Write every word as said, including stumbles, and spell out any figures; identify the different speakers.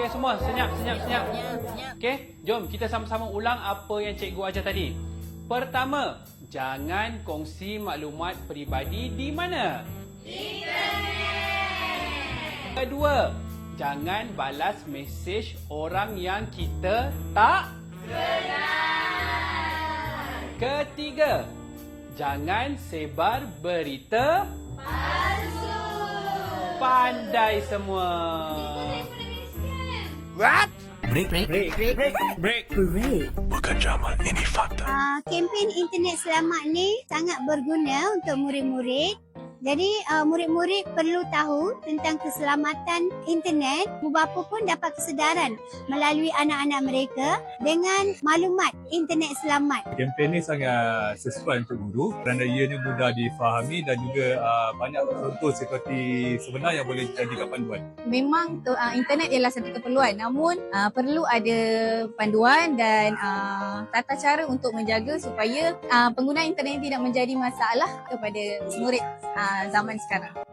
Speaker 1: Okey semua, senyap, senyap, senyap. Okey, jom kita sama-sama ulang apa yang cikgu ajar tadi. Pertama, jangan kongsi maklumat peribadi di mana? Internet. Kedua, jangan balas mesej orang yang kita tak kenal. Ketiga, jangan sebar berita palsu. Pandai semua.
Speaker 2: What?
Speaker 3: Break, break, break, break, break, break, break.
Speaker 4: Bukan Jamal, ini fakta.
Speaker 5: Uh, kempen internet selamat ni sangat berguna untuk murid-murid. Jadi uh, murid-murid perlu tahu tentang keselamatan internet. Ibu bapa pun dapat kesedaran melalui anak-anak mereka dengan maklumat internet selamat.
Speaker 6: Kempen ni sangat sesuai untuk guru kerana ianya mudah difahami dan juga uh, banyak contoh seperti sebenar yang boleh dijadikan panduan.
Speaker 7: Memang uh, internet ialah satu keperluan, namun uh, perlu ada panduan dan uh, tata cara untuk menjaga supaya uh, penggunaan internet tidak menjadi masalah kepada murid uh, zaman sekarang.